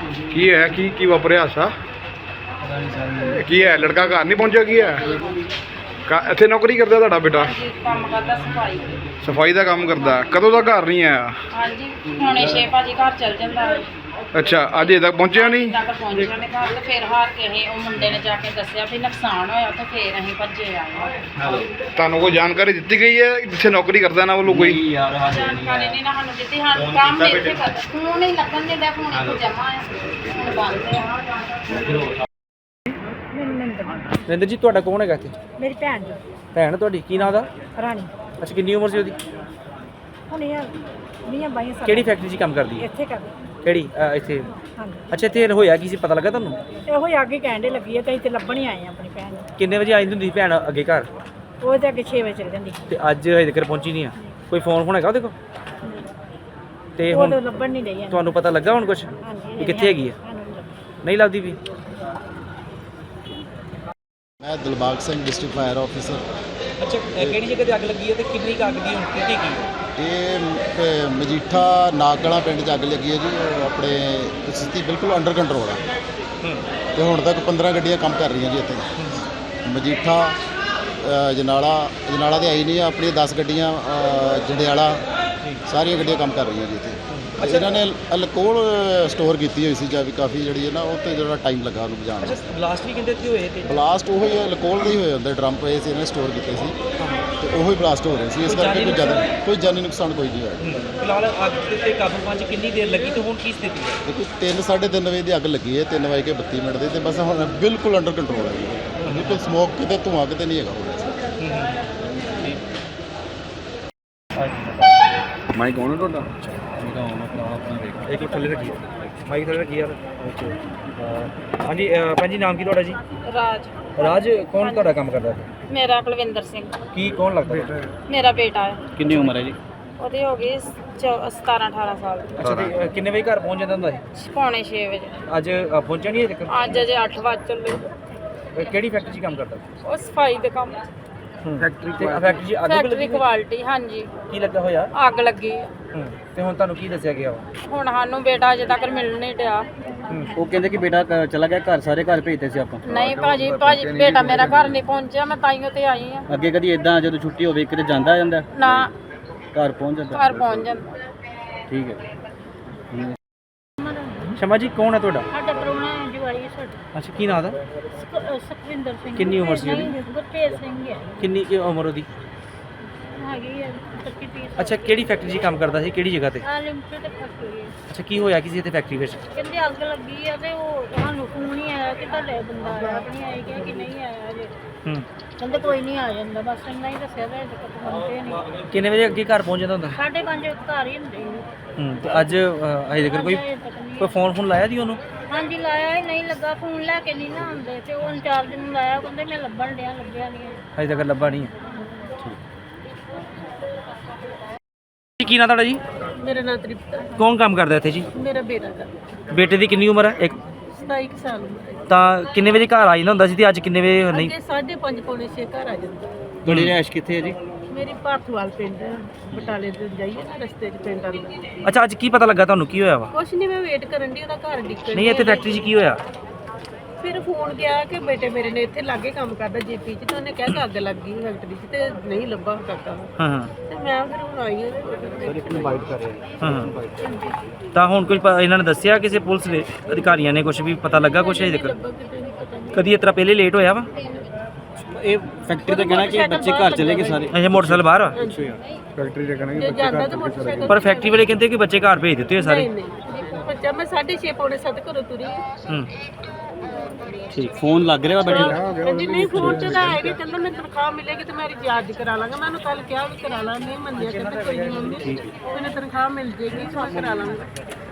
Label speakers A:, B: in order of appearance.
A: ਕੀ ਹੈ ਕੀ ਵਾਪਰਿਆ ਹਾਦਸਾ? ਕੀ ਹੈ ਲੜਕਾ ਘਰ ਨਹੀਂ ਪਹੁੰਚਿਆ? ਕੀ ਹੈ ਇੱਥੇ ਨੌਕਰੀ ਕਰਦਾ ਤੁਹਾਡਾ ਬੇਟਾ?
B: ਕੰਮ ਕਰਦਾ ਸਫਾਈ।
A: ਸਫਾਈ ਦਾ ਕੰਮ ਕਰਦਾ। ਕਦੋਂ ਦਾ ਘਰ ਨਹੀਂ ਆਇਆ?
B: ਹਾਂਜੀ ਹੁਣੇ 6 ਭਾਜੀ ਘਰ ਚਲ ਜਾਂਦਾ।
A: ਅੱਛਾ ਅਜੇ ਤੱਕ ਪਹੁੰਚਿਆ ਨਹੀਂ?
B: ਤੱਕ ਪਹੁੰਚਿਆ ਨਹੀਂ ਘਰ ਤੇ ਫਿਰ ਹਾਰ ਕੇ ਅਸੀਂ ਉਹ ਮੁੰਡੇ ਨੇ ਜਾ ਕੇ ਦੱਸਿਆ ਵੀ ਨੁਕਸਾਨ ਹੋਇਆ ਤੇ ਫਿਰ ਅਸੀਂ ਭੱਜੇ ਆਏ।
A: ਤੁਹਾਨੂੰ ਕੋਈ ਜਾਣਕਾਰੀ ਦਿੱਤੀ ਗਈ ਹੈ ਜਿੱਥੇ ਨੌਕਰੀ ਕਰਦਾ ਨਾ ਵੱਲੋਂ ਕੋਈ?
B: ਜਾਣਕਾਰੀ ਨਹੀਂ ਨਾ ਸਾਨੂੰ ਦਿੱਤੀ। ਹਾਂ ਕੰਮ ਇੱਥੇ ਕਰਦਾ। ਫੋਨ ਹੀ ਲੱਗਣ ਦੇ ਦਾ ਫੋਨ ਇੱਥੇ ਜਮਾ ਹੈ ਹੁਣ ਬੰਦ ਹੈ।
C: ਰਿੰਦਰ ਜੀ ਤੁਹਾਡਾ ਕੌਣ ਹੈਗਾ ਇੱਥੇ?
D: ਮੇਰੀ ਭੈਣ ਜੀ
C: ਭੈਣ ਤੁਹਾਡੀ ਕੀ ਨਾਂ ਦਾ?
D: ਰਾਣੀ।
C: ਅੱਛਾ ਕਿੰਨੀ ਉਮਰ ਸੀ ਉਹਦੀ?
D: ਹੁਣ ਇਹ 20-22 ਸਾਲ।
C: ਕਿਹੜੀ ਫੈਕਟਰੀ 'ਚ ਕੰਮ ਕਰਦੀ ਹੈ?
D: ਇੱਥੇ ਕਰਦੀ।
C: ਕਿਹੜੀ ਇੱਥੇ?
D: ਹਾਂਜੀ।
C: ਅੱਛਾ ਇੱਥੇ ਹੋਇਆ ਕੀ ਸੀ ਪਤਾ ਲੱਗਾ ਤੁਹਾਨੂੰ?
D: ਇਹੋ ਹੀ ਅੱਗੇ ਕਹਿੰਦੇ ਲੱਗੀ ਹੈ ਤੇ ਅਸੀਂ ਤੇ ਲੱਭਣ ਹੀ ਆਏ ਆ ਆਪਣੀ ਭੈਣ ਨੂੰ।
C: ਕਿੰਨੇ ਵਜੇ ਆਈ ਹੁੰਦੀ ਸੀ ਭੈਣ ਅੱਗੇ ਘਰ?
D: ਉਹ ਤੇ ਅੱਗੇ 6 ਵਜੇ ਚਲ ਜਾਂਦੀ।
C: ਤੇ ਅੱਜ ਹਜੇ ਤੱਕ ਪਹੁੰਚੀ ਨਹੀਂ ਆ? ਕੋਈ ਫੋਨ ਹੈਗਾ ਉਹਦੇ ਕੋਲ? ਤੇ
D: ਉਹ
C: ਹੁਣ
D: ਤਾਂ ਲੱਭਣ ਨਹੀਂ ਰਹੀ ਹੈ।
C: ਤੁਹਾਨੂੰ ਪਤਾ ਲੱਗਾ ਹੁਣ ਕੁਝ
D: ਹਾਂਜੀ
C: ਕਿੱਥੇ ਹੈਗੀ ਹੈ? ਨਹੀਂ ਲੱਭਦੀ ਵੀ?
E: मैं Dilbagh Singh district fire officer.
C: ਅੱਛਾ ਕਿਹੜੀ ਜਗ੍ਹਾ ਤੇ ਅੱਗ ਲੱਗੀ ਹੈ ਤੇ ਕਿੰਨੀ ਕੁ ਅੱਗ ਦੀ ਹੁਣ ਸਥਿਤੀ ਕੀ ਹੈ?
E: ਇਹ ਮਜੀਠਾ ਨਾਗਲਾ ਪਿੰਡ 'ਚ ਅੱਗ ਲੱਗੀ ਹੈ ਜੀ। ਉਹ ਆਪਣੇ ਸਥਿਤੀ ਬਿਲਕੁਲ ਅੰਡਰ ਕੰਟਰੋਲ ਹੈ ਤੇ ਹੁਣ ਤੱਕ 15 ਗੱਡੀਆਂ ਕੰਮ ਕਰ ਰਹੀਆਂ ਜੀ ਇੱਥੇ। ਮਜੀਠਾ ਜਨਾਲਾ ਤੇ ਆਈ ਨਹੀਂ, ਆਪਣੀਆਂ 10 ਗੱਡੀਆਂ ਜੰਡਿਆਲਾ ਸਾਰੀਆਂ ਗੱਡੀਆਂ ਕੰਮ ਕਰ ਰਹੀਆਂ ਜੀ ਇੱਥੇ। ਅੱਛਾ ਇਹਨਾਂ ਨੇ ਅਲਕੋਹਲ ਸਟੋਰ ਕੀਤੀ ਹੋਈ ਸੀ ਜਾਂ ਵੀ ਕਾਫੀ ਜਿਹੜੀ ਹੈ ਨਾ ਉਹ 'ਤੇ ਜਿਹੜਾ ਟਾਈਮ ਲੱਗਾ ਉਹਨੂੰ ਬੁਝਾਉਣ ਨੂੰ।
C: ਬਲਾਸਟ ਵੀ ਕਹਿੰਦੇ ਇੱਥੇ ਹੋਏ ਤੇ?
E: ਬਲਾਸਟ ਉਹੀ ਅਲਕੋਹਲ ਦੇ ਹੀ ਹੋਏ ਹੁੰਦੇ, ਡਰਮ ਪਏ ਸੀ ਇਹਨਾਂ ਨੇ ਸਟੋਰ ਕੀਤੇ ਸੀ ਤੇ ਉਹੀ ਬਲਾਸਟ ਹੋ ਰਹੇ ਸੀ। ਇਸ ਕਰਕੇ ਕੋਈ ਜਾਨੀ ਨੁਕਸਾਨ ਕੋਈ ਨਹੀਂ ਹੋਇਆ।
C: ਫਿਲਹਾਲ ਅੱਗ ਤੇ ਕਾਬੂ ਪਾਉਣ 'ਚ ਕਿੰਨੀ ਦੇਰ ਲੱਗੀ ਤੇ ਹੁਣ ਕੀ ਸਥਿਤੀ ਹੈ?
E: ਦੇਖੋ 3-3:30 ਵਜੇ ਦੀ ਅੱਗ ਲੱਗੀ ਹੈ, 3:32 ਦੇ ਤੇ ਬਸ ਹੁਣ ਬਿਲਕੁਲ ਅੰਡਰ ਕੰਟਰੋਲ ਹੈ ਜੀ। ਬਿਲਕੁਲ ਸਮੋਕ ਕਿਤੇ ਧੂੰਆਂ ਕਿਤੇ ਨਹੀਂ ਹੈਗਾ ਹੋ ਰਿਹਾ।
A: ਮਾਈਕ ਕੌਣ ਹੈ ਤੁਹਾਡਾ?
C: ਇੱਕ ਥੱਲੇ ਰੱਖੀ ਮਾਈਕ ਥੱਲੇ ਰੱਖੀ ਯਾਰ। ਹਾਂਜੀ ਭੈਣ ਜੀ ਨਾਮ ਕੀ ਤੁਹਾਡਾ ਜੀ?
B: ਰਾਜ।
C: ਰਾਜ ਕੌਣ ਤੁਹਾਡਾ ਕੰਮ ਕਰਦਾ?
B: ਮੇਰਾ ਕੁਲਵਿੰਦਰ ਸਿੰਘ।
C: ਕੀ ਕੌਣ ਲੱਗਦਾ?
B: ਮੇਰਾ ਬੇਟਾ ਹੈ।
C: ਕਿੰਨੀ ਉਮਰ ਹੈ ਜੀ?
B: ਉਹਦੀ ਹੋ ਗਈ 17-18 ਸਾਲ।
C: ਅੱਛਾ ਤੇ ਕਿੰਨੇ ਵਜੇ ਘਰ ਪਹੁੰਚ ਜਾਂਦਾ ਹੁੰਦਾ ਸੀ?
B: ਪੌਣੇ 6 ਵਜੇ।
C: ਅੱਜ ਪਹੁੰਚਿਆ ਨਹੀਂ ਅਜੇ ਤੱਕ?
B: ਅੱਜ ਅਜੇ 8 ਵਜੇ ਚੱਲੇ।
C: ਕਿਹੜੀ ਫੈਕਟਰੀ 'ਚ ਕੰਮ ਕਰਦਾ?
B: ਉਹ ਸਫਾਈ ਦੇ ਕੰਮ।
C: ਫੈਕਟਰੀ 'ਚ ਅੱਗ ਵੀ
B: ਫੈਕਟਰੀ
C: ਲੱਗੀ?
B: ਕੁਆਲਿਟੀ। ਹਾਂਜੀ
C: ਕੀ ਲੱਗਾ ਹੋਇਆ?
B: ਅੱਗ ਲੱਗੀ ਹੈ।
C: ਤੇ ਹੁਣ ਤੁਹਾਨੂੰ ਕੀ ਦੱਸਿਆ ਗਿਆ?
B: ਹੁਣ ਸਾਨੂੰ ਬੇਟਾ ਅਜੇ ਤੱਕ ਮਿਲ ਨਹੀਂ ਡਿਆ।
C: ਉਹ ਕਹਿੰਦੇ ਕਿ ਬੇਟਾ ਚਲਾ ਗਿਆ ਘਰ, ਸਾਰੇ ਘਰ ਭੇਜਦੇ ਸੀ ਆਪਾਂ।
B: ਨਹੀਂ ਭਾਜੀ ਬੇਟਾ ਮੇਰਾ ਘਰ ਨਹੀਂ ਪਹੁੰਚਿਆ। ਮੈਂ ਤਾਈਓ ਤੇ ਆਈ ਆ।
C: ਅੱਗੇ ਕਦੀ ਇਦਾਂ ਜਦੋਂ ਛੁੱਟੀ ਹੋਵੇ ਕਿਤੇ ਜਾਂਦਾ ਜਾਂਦਾ?
B: ਨਾ
C: ਘਰ ਪਹੁੰਚ ਜਾਂਦਾ?
B: ਘਰ ਪਹੁੰਚ ਜਾਂਦਾ।
C: ਠੀਕ ਹੈ। ਸ਼ਮਾ ਜੀ ਕੌਣ ਹੈ ਤੁਹਾਡਾ?
D: ਸਾਡਾ ਪ੍ਰਾਹੁਣਾ ਹੈ ਜਵਾਈ ਹੈ ਸਾਡਾ।
C: ਅੱਛਾ ਕੀ ਨਾਂ ਦਾ?
D: ਸੁਖਵਿੰਦਰ ਸਿੰਘ।
C: ਕਿੰਨੀ ਉਮਰ ਸੀ ਉਹਦੀ?
D: ਗੁਰਤੇਜ ਸਿੰਘ ਹੈ।
C: ਕਿੰਨੀ ਕੀ ਉਮਰ ਉਹਦੀ?
D: ਹੈਗੀ ਹੈ 25-30।
C: ਅੱਛਾ ਕਿਹੜੀ ਫੈਕਟਰੀ 'ਚ ਕੰਮ ਕਰਦਾ ਸੀ? ਕਿਹੜੀ ਜਗ੍ਹਾ ਤੇ?
D: ਆ ਲਿਮਟਿਡ ਫੈਕਟਰੀ ਹੈ।
C: ਅੱਛਾ ਕੀ ਹੋਇਆ ਕਿਸੇ ਤੇ ਫੈਕਟਰੀ ਵਿੱਚ?
D: ਕਹਿੰਦੇ ਅੱਗ ਲੱਗੀ ਆ ਤੇ ਉਹ ਸਾਨੂੰ ਫੋਨ ਹੀ ਆਇਆ ਕਿ ਤੁਹਾਡੇ ਬੰਦਾ ਆਇਆ ਆਪਣੀ ਆਈ ਗਿਆ ਕਿ ਨਹੀਂ ਆਇਆ ਅਜੇ। ਕਹਿੰਦੇ ਕੋਈ ਨਹੀਂ ਆ ਜਾਂਦਾ, ਬਸ ਇੰਨਾ ਹੀ ਦੱਸਿਆ ਤੇ ਅਜੇ ਤੱਕ ਪਹੁੰਚੇ ਨਹੀਂ।
C: ਕਿੰਨੇ ਵਜੇ ਅੱਗੇ ਘਰ ਪਹੁੰਚ ਜਾਂਦਾ ਹੁੰਦਾ?
D: 5:30 ਘਰ ਹੀ ਹੁੰਦੇ ਸੀ।
C: ਤੇ ਅੱਜ ਹਜੇ ਤੱਕ ਕੋਈ ਫੋਨ ਲਾਇਆ ਦੀ ਉਹਨੂੰ?
D: ਹਾਂਜੀ ਲਾਇਆ ਹੀ ਨਹੀਂ ਲੱਗਾ, ਫੋਨ ਲੈ ਕੇ ਨਹੀਂ ਨਾ ਆਉਂਦੇ ਤੇ ਉਹ ਇੰਚਾਰਜ ਨੂੰ ਲਾਇਆ, ਕਹਿੰਦੇ ਮੈਂ ਲੱਭਣ ਡਿਆ, ਲੱਭਿਆ ਨਹੀਂ।
C: ਹਜੇ ਤੱਕ ਲੱਭਾ ਨਹੀਂ ਹੈ। ਠੀਕ ਕੀ ਨਾਂ ਤੁਹਾਡਾ ਜੀ?
D: ਮੇਰਾ ਨਾਂ ਤ੍ਰਿਪਤਾ।
C: ਕੌਣ ਕੰਮ ਕਰਦਾ ਇੱਥੇ ਜੀ?
D: ਮੇਰਾ ਬੇਟਾ ਦਾ
C: ਬੇਟੇ ਦੀ ਕਿੰਨੀ ਉਮਰ ਹੈ?
D: 27 ਸਾਲ ਉਮਰ ਹੈ।
C: ਤਾਂ ਕਿੰਨੇ ਵਜੇ ਘਰ ਆ ਜਾਂਦਾ ਹੁੰਦਾ ਸੀ ਤੇ ਅੱਜ ਕਿੰਨੇ ਵਜੇ ਨਹੀਂ?
D: ਅੱਗੇ 5:30 ਪੌਣੇ 6 ਘਰ ਆ ਜਾਂਦਾ।
C: ਤੁਹਾਡੀ ਰਿਹਾਇਸ਼ ਕਿੱਥੇ ਹੈ ਜੀ?
D: ਮੇਰੀ ਭਾਰਤਵਾਲ ਪਿੰਡ ਹੈ, ਬਟਾਲੇ ਤੋਂ ਜਾਈਏ ਨਾ ਰਸਤੇ 'ਚ ਪਿੰਡ ਆਉਂਦਾ।
C: ਅੱਛਾ ਅੱਜ ਕੀ ਪਤਾ ਲੱਗਾ ਤੁਹਾਨੂੰ ਕੀ ਹੋਇਆ ਵਾ?
D: ਕੁਛ ਨਹੀਂ, ਮੈਂ ਵੇਟ ਕਰਨ ਦੀ ਉਹਦਾ ਘਰ ਡਿੱਕਣ।
C: ਨਹੀਂ ਇੱਥੇ ਫੈਕਟਰੀ 'ਚ ਕੀ ਹੋਇਆ?
D: ਫਿਰ ਫੋਨ ਗਿਆ ਕਿ ਬੇਟੇ ਮੇਰੇ ਨੇ ਇੱਥੇ ਲਾਗੇ ਕੰਮ ਕਰਦਾ ਜੀਪੀ 'ਚ ਤੇ ਉਹਨੇ ਕਿਹਾ ਕਿ ਅੱਗ ਲੱਗ ਗਈ ਫੈਕਟਰੀ 'ਚ ਤੇ ਨਹੀਂ ਲੱਭਾ ਕਾਕਾ।
C: ਹਾਂ
D: ਤੇ ਮੈਂ ਫਿਰ ਹੁਣ ਆਈ ਹਾਂ।
C: ਹਾਂ ਤਾਂ ਹੁਣ ਕੁਝ ਇਹਨਾਂ ਨੇ ਦੱਸਿਆ ਕਿਸੇ ਪੁਲਿਸ ਦੇ ਅਧਿਕਾਰੀਆਂ ਨੇ ਕੁਝ ਵੀ ਪਤਾ ਲੱਗਾ ਕੁਝ ਅਜੇ ਤੱਕ? ਕਦੀ ਇਸ ਤਰ੍ਹਾਂ ਪਹਿਲੇ ਲੇਟ ਹੋਇਆ ਵਾ?
F: ਇਹ ਫੈਕਟਰੀ ਦਾ ਕਹਿਣਾ ਕਿ ਬੱਚੇ ਘਰ ਚਲੇ ਗਏ ਸਾਰੇ।
C: ਅੱਛਾ ਮੋਟਰਸਾਈਕਲ ਬਾਹਰ ਆ?
A: ਫੈਕਟਰੀ ਦੇ ਕਹਿੰਦੇ
D: ਜੇ ਜਾਂਦਾ ਤਾਂ ਮੋਟਰਸਾਈਕਲ।
C: ਪਰ ਫੈਕਟਰੀ ਵਾਲੇ ਕਹਿੰਦੇ ਕਿ ਬੱਚੇ ਘਰ ਭੇਜ ਦਿੱਤੇ ਹੋਏ ਸਾਰੇ।
D: ਨਹੀਂ ਨਹੀਂ ਬੱਚਾ ਮੈਂ 6:30 ਪੌਣੇ 7 ਘਰੋਂ ਤੁਰੀ।
F: ਠੀਕ ਫੋਨ ਲੱਗ ਰਿਹਾ ਬੇਟੇ ਦਾ?
D: ਕਹਿੰਦੀ ਨਹੀਂ ਫੋਨ ਤੇ ਤਾਂ ਆਏਗੀ, ਕਹਿੰਦਾ ਮੈਂ ਤਨਖਾਹ ਮਿਲੇਗੀ ਤੇ ਮੈਂ ਰਿਚਾਰਜ ਕਰਾ ਲਾਂਗਾ। ਮੈਂ ਉਹਨੂੰ ਕੱਲ ਕਿਹਾ ਵੀ ਕਰਾ ਲਾ, ਨਹੀਂ ਮੰਨਿਆ, ਕਹਿੰਦਾ ਕੋਈ ਨਹੀਂ ਮੰਮੀ ਮੈਨੂੰ ਤਨਖਾਹ ਮਿਲ ਜੇਗੀ ਤਾਂ ਕਰਾ ਲਾਂਗਾ।